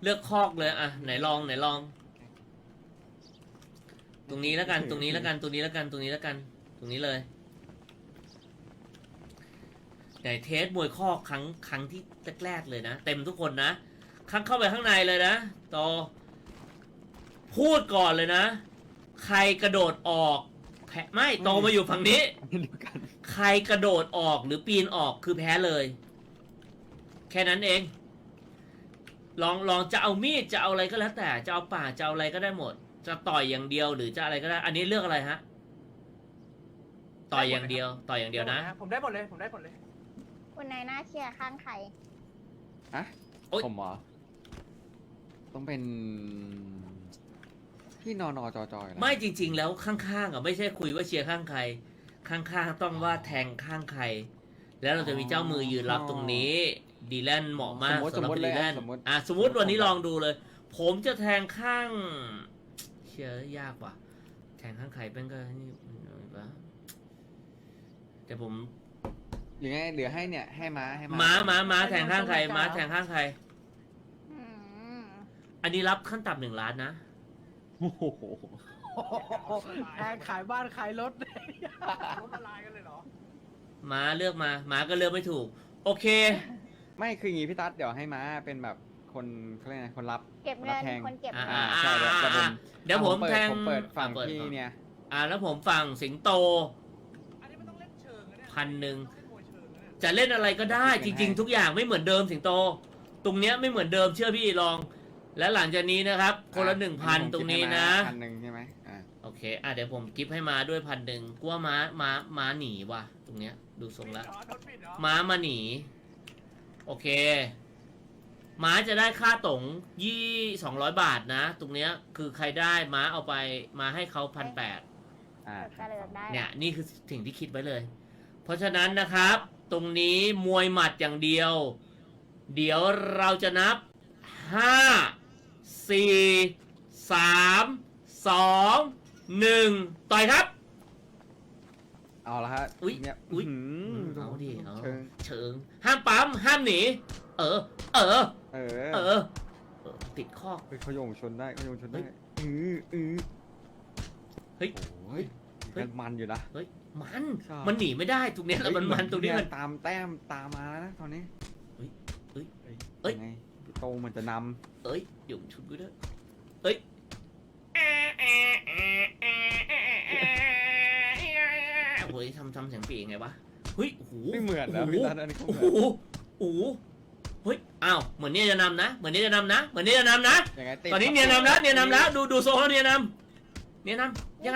เลือกคอกเลยอ่ะไหนลองตรงนี้แล้วกันตรงนี้แล้วกันตรงนี้แล้วกันตรงนี้แล้วกันตรงนี้เลยไหนเทสมวยคอกครั้งที่แรกๆเลยนะเต็มทุกคนนะครั้งเข้าไปข้างในเลยนะต่อพูดก่อนเลยนะใครกระโดดออกแพ้ไม่โตมาอยู่ฝั่งนี้ใครกระโดดออกหรือปีนออกคือแพ้เลยแค่นั้นเองลองจะเอามีดจะเอาอะไรก็แล้วแต่จะเอาป่าจะเอาอะไรก็ได้หมดจะต่อยอย่างเดียวหรือจะอะไรก็ได้อันนี้เลือกอะไรฮะต่อยอย่างเดียวนะผมได้หมดเลยผมได้หมดเลยคุณนายหน้าเชียร์ข้างใครฮะผมเหรอต้องเป็นพี่นอนจอๆนะไม่จริงๆแล้วข้างๆอ่ะไม่ใช่คุยว่าเชียร์ข้างใครข้างๆต้องว่าแทงข้างใครแล้วเราจะมีเจ้ามือยืนรับตรงนี้ดีแลนเหมาะมากสำหรับดีแลนสมมติวันนี้ลองดูเลย ผมจะแทงข้างเชียร์ยากว่ะแทงข้างใครเป็นก็นี่แต่ผมหรือไงเหลือให้เนี่ยให้ม้าม้าแทงข้างใครม้าแทงข้างใครอืมอันนี้รับขั้นต่ำ1 ล้านนะโอ้โหแพงขายบ้านขายรถล้มละลายกันเลยเหรอม้าเลือกมาม้าก็เลือกไม่ถูกโอเคไม่คืออย่างงี้พี่ตั๊ดเดี๋ยวให้ม้าเป็นแบบคนเขาเรียกไงคนรับเก็บเงินแทงคนเก็บเงินใช่เดี๋ยวผมแทงผมเปิดฝั่งพี่เนี่ยแล้วผมฝั่งสิงโตอันนี้มันต้องเล่นเชิงนะเนี่ย 1,000จะเล่นอะไรก็ได้จริงๆทุกอย่างไม่เหมือนเดิมสิงโตตรงเนี้ยไม่เหมือนเดิมเชื่อพี่ลองและหลังจากนี้นะครับคนละ 1,000 ตรงนี้นะ 1,000ใช่ไหมโอเคเดี๋ยวผมกิฟต์ให้มาด้วย1,000กลัวม้าหนีว่ะตรงเนี้ยดูทรงแล้วม้ามาหนีโอเคม้าจะได้ค่าต๋ง200 บาทนะตรงเนี้ยคือใครได้ม้าเอาไปมาให้เขา1,800เนี่ยนี่คือสิ่งที่คิดไว้เลยเพราะฉะนั้นนะครับตรงนี้มวยหมัดอย่างเดียวเดี๋ยวเราจะนับ5 4 3 2 1ต่อยครับเอาละฮะอุ้ยเนี่ยเอาดิเชิงห้ามปั๊มห้ามหนีติดข้อเขาโยงชนได้เฮ้ยมันอยู่นะเฮ้ยมันหนีไม่ได้ตรงนี้แล้วมันตรงนี้มันตามแต้มตามมาแล้วนะตอนนี้ไงโตมันจะนำหยุ่งชุดกูด้วยโอ้ยทำเสียงปีไงวะเฮ้ยโอ้โหไม่เหมือนนะพี่ตั๊ดอันนี้เขาเหมือนโอ้โหเฮ้ยอ้าวเหมือนเนี่ยจะนำนะตอนนี้เนี่ยนำแล้วดูโซ่เขาเนี่ยนำยังไง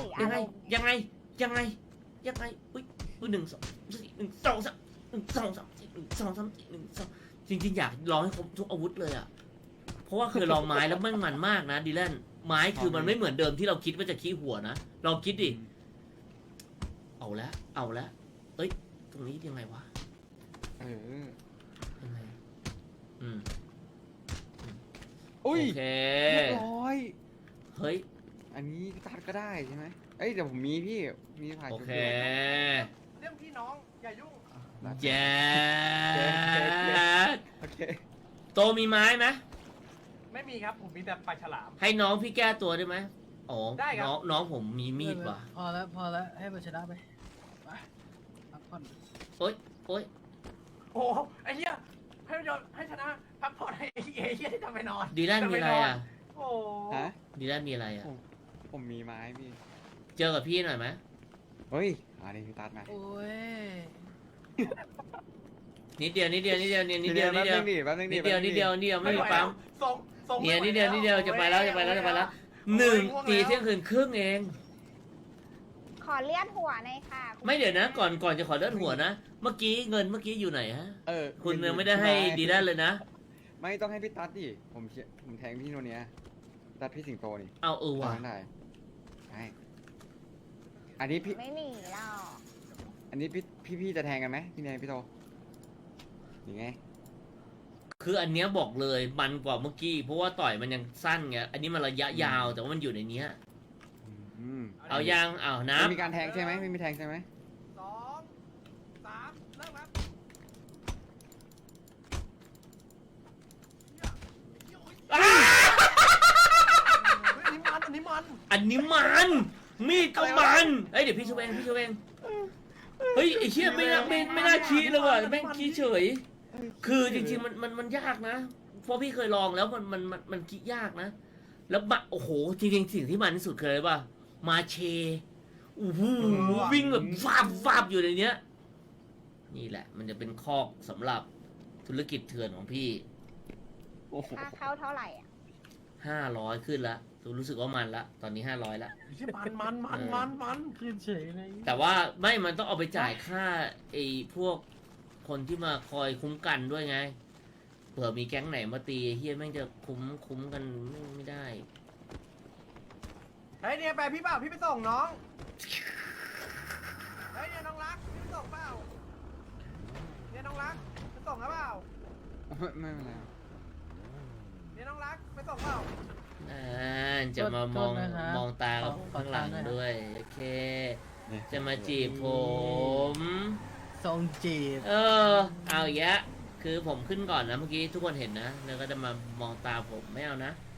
อุ้ย1 2 3 จริงๆอยากลองให้ครบทุกอาวุธเลยอ่ะเพราะว่าเคยลองไม้แล้วมันมากนะดีแลนไม้คือมันไม่เหมือนเดิมที่เราคิดว่าจะขี้หัวนะลองคิดดิเอาแล้วตรงนี้ยังไงวะยังไงโอเคเรียบร้อยเฮ้ยอันนี้พี่ตั๊ดก็ได้ใช่ไหมเดี๋ยวผมมีผ่านโอเคเรื่องพี่น้องอย่ายุ่งแย่โอเคโตมีไม้ไหมไม่มีครับผมมีแต่ปลาฉลามให้น้องพี่แก้ตัวได้ไหมอ๋อได้ครับน้องผมมีมีดว่ะพอแล้วให้มันชนะไปพักผ่อนโอ๊ยโอ้ไอ้เหี้ยให้ชนะพักผ่อนให้ไอ้เหี้ยที่ทำไปนอนดีแลนมีอะไรอ่ะโอ้ดีแลนมีอะไรอ่ะผมมีไม้พี่เจอกับพี่หน่อยไหมเฮ้ยอันนี้พี่ตั๊ดมาโอ้ยนิดเดียวไม่มีปั๊มเนี่ยนิดเดียวจะไปแล้ว1 ตีเที่ยงคืนครึ่งเองขอเลื่อนหัวหน่อยค่ะไม่เดี๋ยวนะก่อนจะขอเลื่อนหัวนะเมื่อกี้เงินอยู่ไหนฮะคุณยังไม่ได้ให้ดีแลนเลยนะไม่ต้องให้พี่ตั๊ดดิผมแทงพี่โนเนียตัดพี่สิงโตนี่ว่ะได้อันนี้พี่ไม่หนีหรอกอันนี้พี่จะแทงกันไหมพี่เนยพี่โตยังไงคืออันเนี้ยบอกเลยมันกว่าเมื่อกี้เพราะว่าต่อยมันยังสั้นไงอันนี้มันระยะยาวแต่ว่ามันอยู่ในเนี้ยเอายังนับมีการแทงใช่ไหมไม่มีแทงใช่ไหม 2 3เริ่มครับอันนี้มันมีดก็มันเอ้ยเดี๋ยวพี่ช่วยเองพี่ช่วยเองเฮ้ยไอ้เชี่ยไม่น่าขี้เลยว่ะแม่งขี้เฉย คือจริงๆมันยากนะเพราะพี่เคยลองแล้วมันคิดยากนะ แล้วโอ้โหจริงๆสิ่งที่มันที่สุดเคยป่ะมาเชโอ้โหวิ่งแบบฟาบอยู่ในเนี้ยนี่แหละ มันจะเป็นคอกสำหรับธุรกิจเถื่อนของพี่โอ้โหค่าเข้าเท่าไหร่อ่ะ 500ขึ้นละรู้สึกว่ามันละตอนนี้500ละไอ้เหี้ยมันขึ้นเฉยเลยแต่ว่าไม่มันต้องเอาไปจ่ายค่าไอ้พวกคนที่มาคอยคุ้มกันด้วยไงเผื่อมีแก๊งไหนมาตีเฮียแม่งจะคุ้มกันไม่ได้เฮ้ยเนี่ยไปพี่เปล่าพี่ไปส่งน้องเฮ้ยเนี่ยน้องรักพี่ไปส่งเปล่าเนี่ยน้องรักไปส่งหรือเปล่าไม่เป็นไรครับเนี่ยน้องรักไปส่งเปล่าจะมามองตากับข้างหลังด้วยโอเค จะมาจีบผมทรงจีบเอาอย่างเงี้ยคือผมขึ้นก่อนนะเมื่อกี้ทุกคนเห็นนะแล้วก็จะมามองตาผมไม่เอานะ